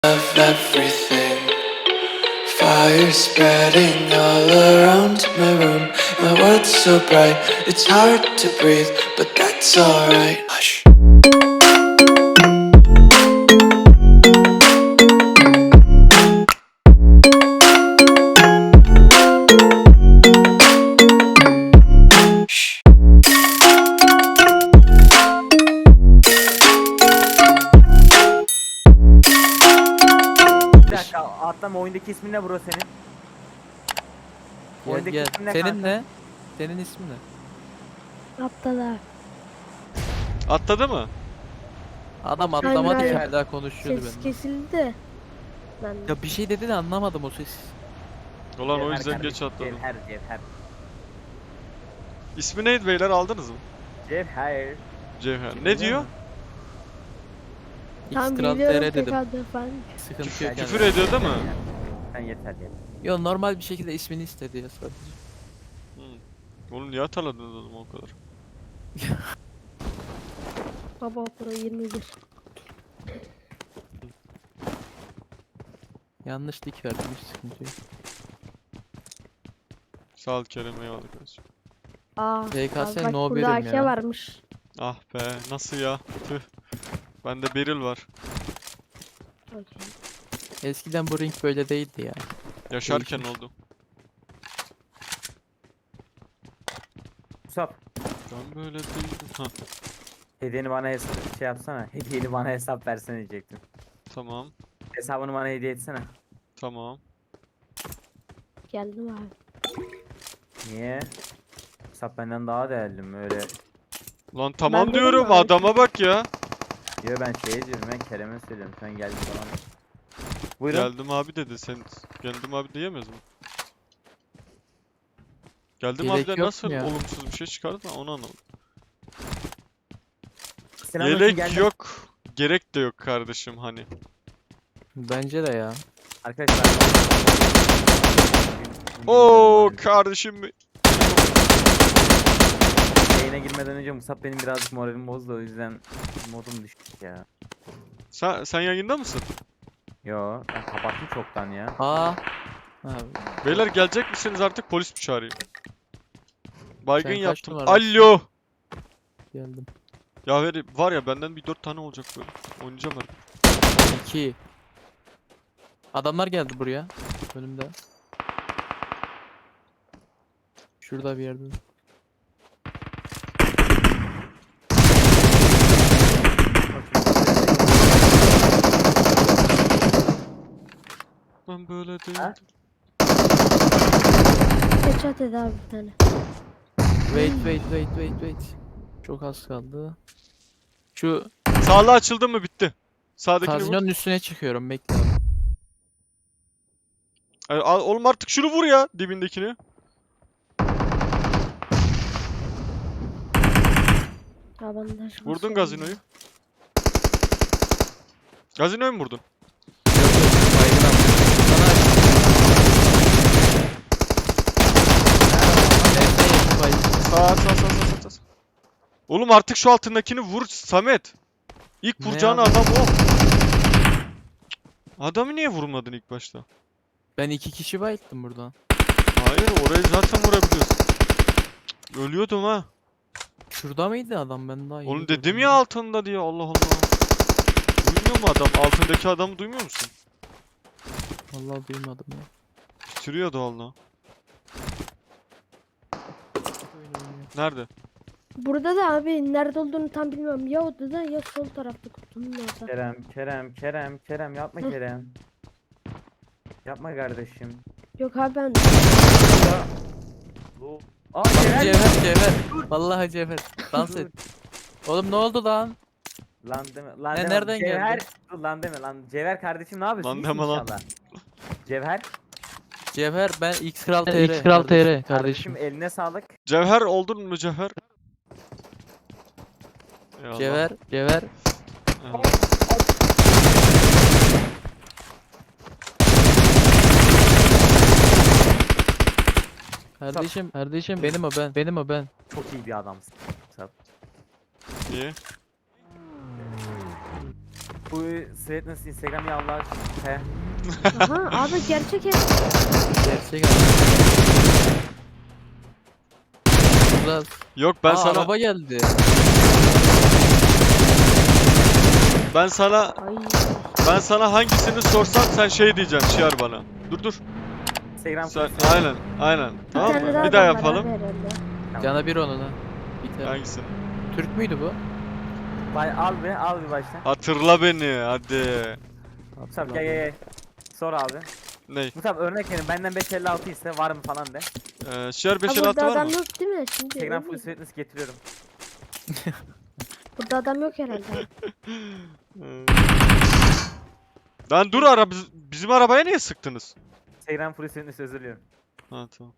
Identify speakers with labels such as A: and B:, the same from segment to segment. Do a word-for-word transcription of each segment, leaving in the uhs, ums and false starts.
A: of everything. Fire spreading all around my room. My world's so bright, it's hard to breathe, but that's alright. Hush.
B: Bir dakika atlama, oyundaki ismin ne bro senin?
C: Gel
B: Oyundaki
C: gel.
B: ismin ne
C: Senin
B: kanka?
C: ne? Senin ismin ne?
D: Aptal
E: Atladı mı?
C: Adam
D: Aynen,
C: atlamadı ki
D: aynen.
C: hala konuşuyordu
D: Ses
C: benimle.
D: kesildi de. Ben
C: Ya bir şey dedi de anlamadım o ses.
E: Ulan o
B: Cevher
E: yüzden
B: kardeşim,
E: geç atladım.
B: Cevher, Cevher.
E: İsmi neydi beyler, aldınız mı?
B: Cevher.
E: Cevher.
B: Kim
E: Ne
B: biliyor
E: diyor?
B: musun?
D: tam
C: X Kral
D: biliyorum
C: T R dedim.
D: tekrardan falan.
C: Sıkıntı
E: Küfür,
C: yok
E: küfür
C: yani.
E: ediyor değil mi?
B: Sen yeter yeter.
C: Yo normal bir şekilde ismini istedi ya sadece.
E: Hı. Oğlum niye hatırladınız oğlum o kadar?
D: Baba Pro yirmi bir.
C: Yanlış dik verdim, hiç sıkıntı yok.
E: Sağ ol Kerem, eyvallah kardeşim.
D: Aa,
C: V K S
D: bak
C: no
D: burada
C: birim
D: A K
C: ya.
D: varmış.
E: Ah be, nasıl ya? Tüh. Bende Beril var.
D: Okey.
C: Eskiden bu ring böyle değildi ya.
E: Yaşarken
C: Değişmiş.
E: oldu.
B: Musab,
E: Ben böyle değildim. Ha,
B: hediyeni bana hesap şey yapsana. Hediyeni bana hesap versene diyecektim.
E: tamam.
B: Hesabını bana hediye etsene.
E: Tamam.
D: Geldim abi.
B: Niye? Musab benden daha değerli mi öyle?
E: Lan tamam
D: dedim
E: diyorum,
D: abi.
E: adama bak ya.
B: Yo ben şey diyorum, ben Kerem'e söylüyorum. Sen geldin falan. Buyurun.
E: Geldim abi dedi. Sen geldim abi diyemez mi? Geldim
C: Gerek
E: abi de
C: yok
E: nasıl
C: mu ya?
E: olumsuz bir şey çıkardı ben onu anlamadım.
B: Selamünaleyküm,
E: Gerek
B: geldim.
E: yok. Gerek de yok kardeşim hani.
C: Bence de ya.
B: Arkadaşlar.
E: Oo kardeşim.
B: Yayına girmeden önce Musab benim birazcık moralim bozdu, o yüzden modum düştü ya.
E: Sen sen yayında mısın?
B: Yo ben kapattım çoktan ya.
C: Aa. Abi.
E: Beyler gelecek misiniz artık, polis mi çağırayım? Baygın
C: Sen kaç
E: yaptım.
C: numarasın?
E: Alo.
C: Geldim.
E: Ya veri var ya, benden bir dört tane olacak böyle. Oynayacağım ben.
C: İki. Adamlar geldi buraya. Önümde. Şurada bir yerde.
E: Ben böyle değildim.
B: Ha?
D: Headshot ed abi bir tane.
C: Wait wait wait wait wait. Çok az kaldı. Şu
E: Sağlı açıldı mı bitti. Sağdakini vur.
C: kazinonun üstüne çıkıyorum, bekle abi.
E: Ay, al- oğlum artık şunu vur ya, dibindekini.
D: Ya bandaj
E: Vurdun
D: basıyorum.
E: gazinoyu. Gazinoyu mu vurdun?
C: Yok yok, baygın aldım. Bana Neyse, yakın baygın.
E: Sağ sağ sağ sağ sağ, sağ. Oğlum artık şu altındakini vur Samet. İlk
C: Ne
E: vuracağın
C: abi?
E: adam o. Adamı niye vurmadın ilk başta?
C: Ben iki kişi bayılttım buradan.
E: Hayır, orayı zaten vurabiliyorsun. Cık, ölüyordum ha.
C: Şurada mıydı adam, ben daha iyi
E: Oğlum
C: gördüm
E: dedim ya altında diye, Allah Allah. Duymuyor mu adam? Altındaki adamı duymuyor musun?
C: Vallahi duymadım ya.
E: Bitiriyordu valla. Nerede?
D: Burada da abi nerede olduğunu tam bilmiyorum. Ya odada ya sol tarafta kutunun orada.
B: Kerem, Kerem, Kerem, Kerem yapma
D: Hı.
B: Kerem. Yapma kardeşim.
D: Yok abi ben
B: Bu. Aa Kerem.
C: Cevher cevher. Vallahi cevher. Dans et. Oğlum ne oldu lan?
B: Lan deme, lan
C: Ne,
B: deme.
C: nereden
B: Cevher.
C: geldi?
B: Dur lan deme lan. Cevher kardeşim ne yapıyorsun?
E: Lan
B: İyisin
E: deme lan.
B: inşallah. Cevher.
C: Cevher, ben X Kral T R.
F: X Kral T R
B: Kardeşim
F: kardeşim.
B: eline sağlık.
E: Cevher oldun mu Cevher? Eyvallah.
C: Cevher, Cevher.
E: Eyvallah.
C: Kardeşim,
F: Kardeşim
C: benim o ben.
F: benim o ben.
B: Çok iyi bir adamsın. Sağ ol.
E: Niye?
B: Bu Sweetness Instagram ya Allah aşkına. He.
D: Aha abi gerçek ev.
C: Gerçek abi. Burada
E: Yok ben
C: Aa,
E: sana
C: araba geldi.
E: ben sana
D: Ay.
E: ben sana hangisini sorsam sen şey diyeceksin Şiar bana. Dur dur.
B: Instagram
E: Sen
B: Full
E: aynen aynen.
D: Bir
E: Tamam
D: tane
E: mı?
D: daha
E: Bir daha
D: adam var
E: yapalım.
D: abi herhalde.
C: Cana bir onun ha. Biter.
E: Hangisini?
C: Türk müydü bu?
B: Bay- Al bir, al bir baştan.
E: Hatırla beni hadi.
B: Musab gel gel gel. Sor abi.
E: Ney?
B: Musab örnek verin benden beş elli altı ise var mı falan de.
E: Ee, Şiar beş
D: Ha,
E: elli altı
D: burada
E: var
D: adam
E: mı?
D: yok değil mi? Şimdi
B: Instagram
D: öyle
B: Full
D: mi?
B: Sweetness getiriyorum.
D: Burada adam yok herhalde.
E: Ee. Lan dur ara biz- bizim arabaya niye sıktınız?
B: Instagram Full Sweetness özür diliyorum.
E: Ha tamam.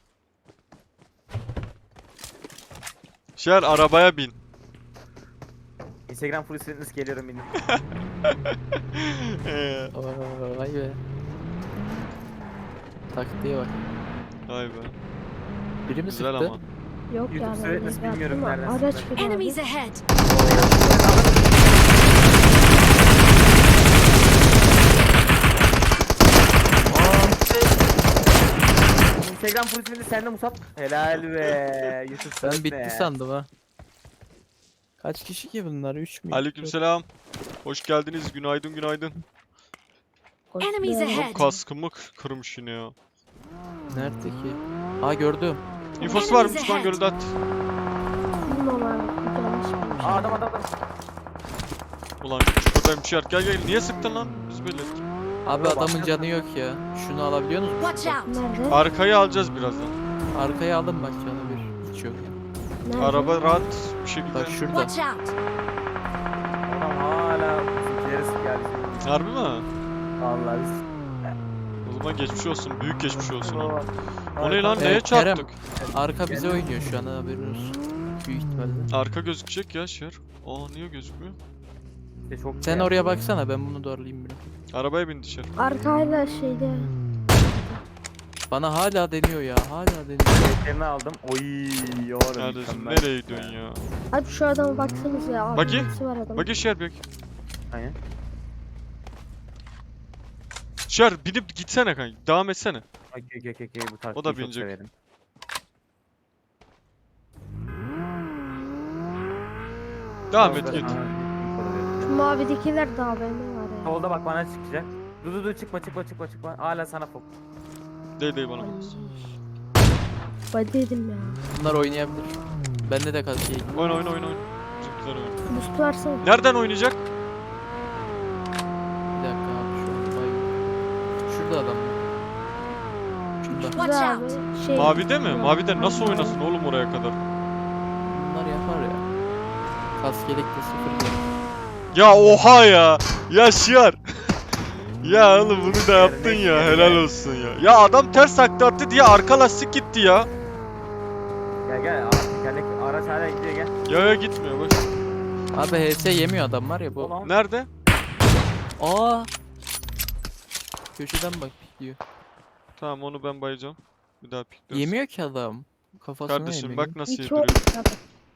E: Şiar arabaya bin.
B: Instagram Full Sweetness geliyorum benim.
E: Ee,
C: Oo, vay be. Taktiğe bak.
E: Vay be.
C: Biri mi
E: Güzel
C: sıktı?
E: ama.
D: Yok ya.
B: YouTube
D: ben
B: Sweetness
D: de
B: bilmiyorum
D: yaptım ama
B: nereden
D: Araç
B: sıktı.
D: gibi abi.
F: Enemies ahead!
B: Instagram Full Sweetness sende Musab. Helal be. YouTube
C: Ben
B: Sweetness.
C: bitti sandım ha. Kaç kişi ki bunlar? üç mü?
E: Aleykümselam. Hoş geldiniz. Günaydın günaydın.
F: Enemies
D: Koşuyor.
F: ahead!
E: Kaskımı k- kırmış yine ya.
C: Nerede ki? Aa gördüm.
E: İnfosu var mı?
F: Enemies
E: Düşman
F: ahead.
E: görüldü at.
D: Bilmiyorum abi. Yanlış bilmiş.
B: Aa adam adam adam.
E: Ulan çukurdayım Şiar. Gel gel. Niye sıktın lan? Biz belli ettik.
C: Abi
B: Bak,
C: adamın
B: bak.
C: canı yok ya. Şunu alabiliyor musun?
F: Watch out!
D: Nerede?
E: Arkayı alacağız birazdan.
C: Arkaya aldım bak canı bir. Hiç yok ya.
D: Nerede?
E: Araba rahat bir şekilde.
C: Bak şurada.
F: Watch out!
B: Adam hala bizimkileri sıkıyor.
E: Harbi mi?
B: Vallahi biz.
E: O zaman geçmiş olsun. Büyük geçmiş olsun. ha.
B: O
E: O ne lan?
C: Evet,
E: Neye
C: Kerem.
E: çarptık?
C: Arka bize oynuyor şu an haberin olsun. Büyük ihtimalle.
E: Arka gözükecek ya Şiar. Aa niye gözükmüyor?
B: İşte çok
C: Sen oraya baksana ben bunu doğrulayayım bir.
E: Arabaya bin dışarı.
D: Arkayla şeyde.
C: Bana hala deniyor ya. Hala deniyor.
B: Yerini aldım. Oy yorum.
E: Kardeşim nereye gidiyorsun ya?
D: Abi şu adama baksanız ya. Abi,
E: Bakayım.
D: birisi var adam.
E: Bak Şiar bak.
B: Aynen.
E: Şiar binip gitsene kanka. Devam etsene.
B: Okey okey okey okey, bu taktiği
E: O da
B: çok
E: binecek.
B: severim.
E: Devam et
B: Solda-
E: git.
B: Aa, info da verelim.
D: Şu mavidekiler de A V M var ya.
B: Solda bak bana çıkacak. Dur dur dur çıkma çıkma çıkma çıkma. Hala sana fok.
E: Değil değil bana.
D: Ay. Badiydim ya.
C: Bunlar oynayabilir. Bende de kalk değil.
E: Oyna oyna oyna oyna. Çok güzel oyna.
D: Boost versene.
E: Nereden oynayacak?
C: Bir dakika abi şu an bayım. Şurada adam. Şurada.
F: Watch
D: Güzel
F: out.
D: abi. Şey,
E: Mavide mi?
D: Yok.
E: Mavide nasıl oynasın oğlum oraya kadar?
C: Bunlar yapar ya. Kaskelek de sıfır değil.
E: Ya oha ya. Ya Şiar. Ya oğlum bunu da yaptın ya. Helal olsun ya. Ya adam ters takla attı diye arka lastik gitti ya.
B: Gel gel. Aa, tekerlek araç hala gidiyor gel.
E: Ya ya gitmiyor bak.
C: Abi H S yemiyor adam var ya bu.
B: Ulan.
E: Nerede?
C: Aa. Köşeden bak pikliyor.
E: Tamam onu ben bayacağım. Bir daha pikliyoruz.
C: Yemiyor ki adam. Kafasına
E: Kardeşim
C: yemiyor.
E: bak nasıl
D: İki
E: yediriyor.
D: olmuş abi.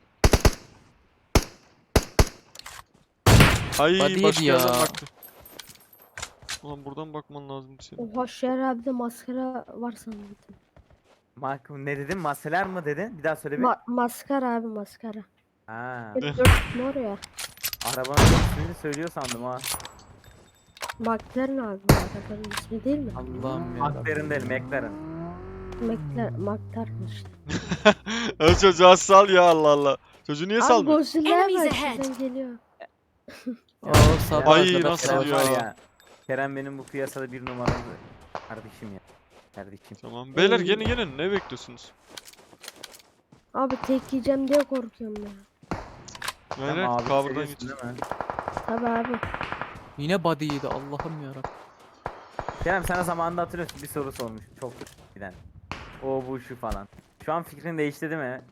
E: Ay
C: Body yedi
E: başka
C: ya.
E: yerden baktı. Ulan buradan bakman lazım senin.
D: Oha Şer abi de maskara var sanırım.
B: Mark ne dedin? Maseler mı dedin? Bir daha söyle bir.
D: Ma maskara abi maskara.
B: Ha.
D: Hep dört mor ya.
B: Arabanın ismini söylüyor sandım ha.
D: McLaren abi. Arabanın ismi değil mi?
C: Allah'ım ya.
B: McLaren değil McLaren.
D: McLaren, McLaren işte.
E: O çocuğa sal ya Allah Allah. Çocuğu niye
D: Abi
E: salmıyor?
D: Godzilla
F: Enemies
D: var
F: ahead.
D: şuradan geliyor.
C: Aa sağ
E: Ay,
C: arkada
E: nasıl
C: Kerem.
E: ya?
B: Var Kerem benim bu piyasada bir numaralı kardeşim ya. Kardeşim.
E: Tamam. Beyler
D: Ay.
E: gelin gelin. Ne bekliyorsunuz?
D: Abi tek yiyeceğim diye korkuyorum ya.
B: Sen
E: Aynen.
B: abi
E: Cover'dan
B: seviyorsun
E: git.
B: değil mi?
D: Tabi abi.
C: Yine body yedi Allah'ım yarabbim.
B: Kerem sana zamanında hatırlıyorsun bir soru sormuş. Çok giden. O bu şu falan. Şu an fikrin değişti değil mi?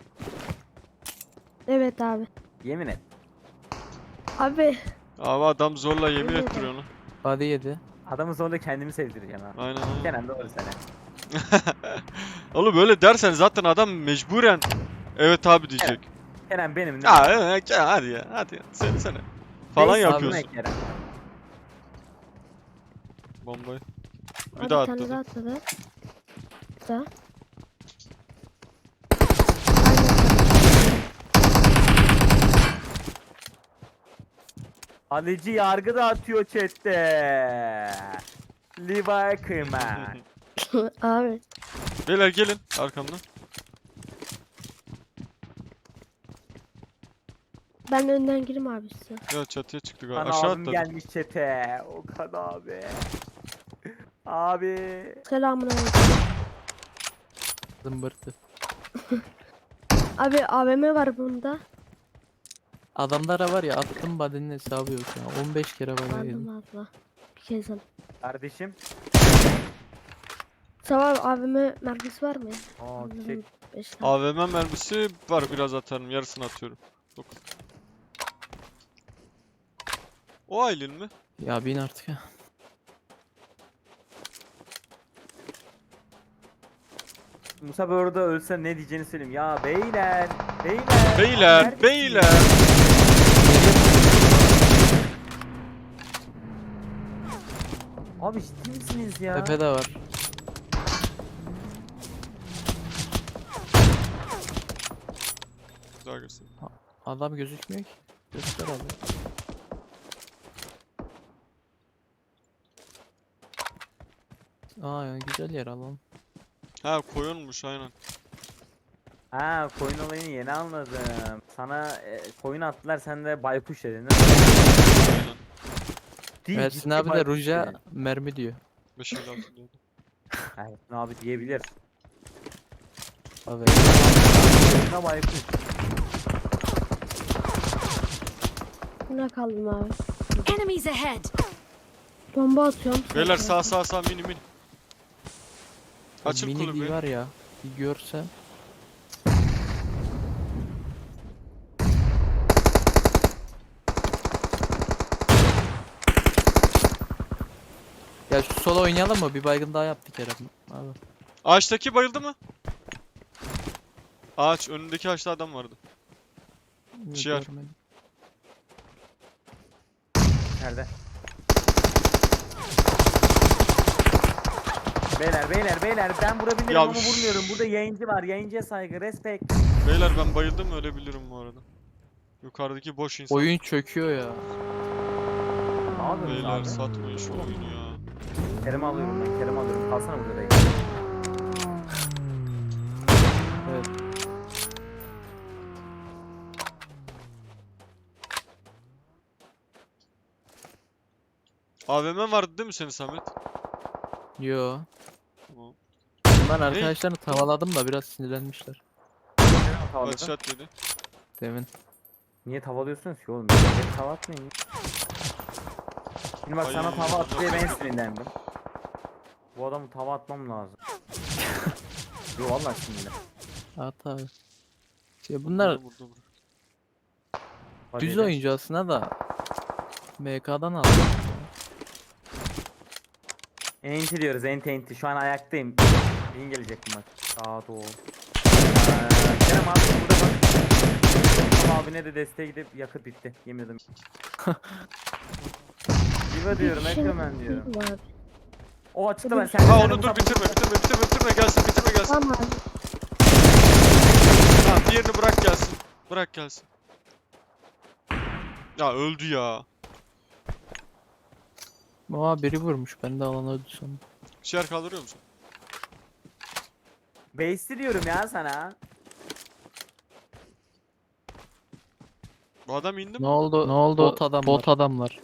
D: Evet abi.
B: Yemin et.
D: Abi
E: Abi adam zorla yemin
D: Evet.
E: ettiriyor onu.
C: Body yedi.
B: Adamı zorla kendimi sevdireceğim ha.
E: Aynen aynen.
B: Kerem doğru söyle.
E: Oğlum böyle dersen zaten adam mecburen evet abi diyecek.
B: Kerem benim ne?
E: Ya, ya, ya hadi ya hadi ya söylesene. falan
B: Base
E: yapıyorsun.
B: atmak Kerem.
E: Bombayı. Bir
D: Abi
E: daha
D: bir tane
E: atladı.
D: daha atladı. Bir daha.
B: Alıcı yargı da atıyor chatte. Levi Kırman.
D: Abi
E: Beyler gelin arkamdan.
D: ben önden gireyim abi size.
E: Ya çatıya çıktı galiba.
B: Ana
E: Aşağı
B: abim
E: atladı.
B: gelmiş çete. Okan abi. Abi.
D: Selamun aleyküm.
C: Zımbırtı.
D: Abi A V M var bunda.
C: Adamlara var ya attım body'nin hesabı yok ya. on beş kere bana
D: Aldım
C: yedim.
D: abla. Bir kez aldım.
B: Kardeşim.
D: Sabah A V M mermisi var mı?
B: Aa
D: Allah'ım,
B: çiçek.
D: beş tane.
E: A V M mermisi var, biraz atarım. Yarısını atıyorum. Dokuz. O Aylin mi?
C: Ya bin artık ya.
B: Musa böyle orada ölse ne diyeceğini söyleyeyim. Ya beyler. Beyler.
E: Beyler,
B: abi neredesiniz?
E: beyler.
B: Abi ciddi misiniz ya?
C: Tepede var.
E: Daha göster.
C: Adam gözükmüyor ki. Göster abi. Aa ya güzel yer alalım.
E: Ha koyunmuş aynen.
B: Ha koyun olayını yeni anladım. Sana e, koyun attılar sen de baykuş dedin değil mi?
E: Aynen.
B: Değil,
C: Ersin
B: ciddi
C: abi de
B: baykuş
C: ruja
B: dedin.
C: mermi diyor.
E: beş elli altı diyordu.
B: Ersin abi diyebilir.
C: Abi.
B: Koyuna baykuş.
D: Buna kaldım abi.
F: Enemies ahead!
D: Bomba atıyorum.
E: Beyler
D: sonra-
E: sağ sağ sağ mini mini. Açın
C: Mini
E: kulübü.
C: var ya. Bir görsen. Ya şu sola oynayalım mı? Bir baygın daha yaptık Kerem. Abi.
E: Ağaçtaki bayıldı mı? Ağaç önündeki ağaçta adam vardı. Ciğer.
C: Görmedim.
B: Nerede? Beyler beyler beyler ben vurabilirim
E: Ya
B: ama
E: üf.
B: vurmuyorum. Burada yayıncı var. Yayıncıya saygı. Respect.
E: Beyler ben bayıldım, ölebilirim bu arada. Yukarıdaki boş insan.
C: Oyun çöküyor ya.
B: Ne yapıyorsunuz
E: Beyler
B: abi?
E: satmayın şu oyunu ya.
B: Kerem alıyorum ben. Kerem alıyorum. Kalsana burada dayı.
C: Evet.
E: A V M vardı değil mi senin Samet?
C: Yo.
E: Tamam.
C: Ben arkadaşlarını tavaladım da biraz sinirlenmişler.
B: Kerem tavalıyorsun.
E: Headshot dedi.
C: Demin.
B: Niye tavalıyorsunuz ki oğlum? Beni tava atmayın. Şimdi bak
E: Ay,
B: sana tava at diye ben
E: yapma.
B: sinirlendim. Bu adamı tava atmam lazım. Yo vallahi sinirlen.
C: At abi. Şey bunlar
E: Burada, burada, burada.
B: Hadi
C: düz
B: de.
C: oyuncu aslında da M K'dan aldım.
B: Enti diyoruz enti enti. Şu an ayaktayım. Bin gelecek bu maç. Sağa doğru. Ee, Kerem abi burada bak. Kerem abine de desteğe gidip yakıt bitti. Yemin ederim. Diva diyorum,
D: Bir şey
B: Ekromen diyorum.
D: Abi.
B: O açıkta ben sen.
E: Ha
B: sen
E: onu dur
B: Musa-
E: bitirme bitirme bitirme bitirme gelsin bitirme gelsin.
D: Tamam abi.
E: Tamam diğerini bırak gelsin. Bırak gelsin. Ya öldü ya.
C: Aa biri vurmuş. Ben de alana öldü sandım.
E: Şiar kaldırıyor musun?
B: Base'li diyorum ya sana.
E: Bu adam indi mi?
C: Ne oldu? Ne oldu? Bot adamlar. Bot adamlar.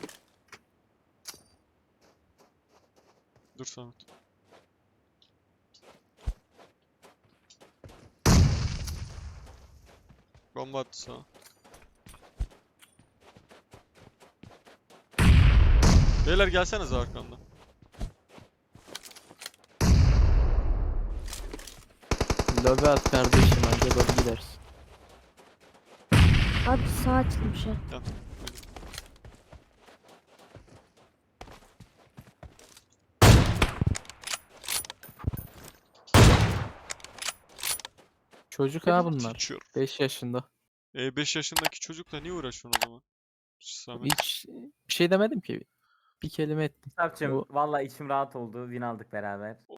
E: Dur Samet. Bomba attı sana. Beyler gelsenize arkamdan.
C: Lobi at kardeşim anca lobi gidersin.
D: Abi sağ açılmış ya.
E: Gel.
C: Çocuk ha bunlar.
E: Teacher.
C: beş yaşında.
E: E beş yaşındaki çocukla niye uğraşıyorsun o zaman? Samet.
C: Hiç bir şey demedim ki. Bir kelime ettim.
B: Musab'cım
C: Bu-
B: valla içim rahat oldu. Win aldık beraber.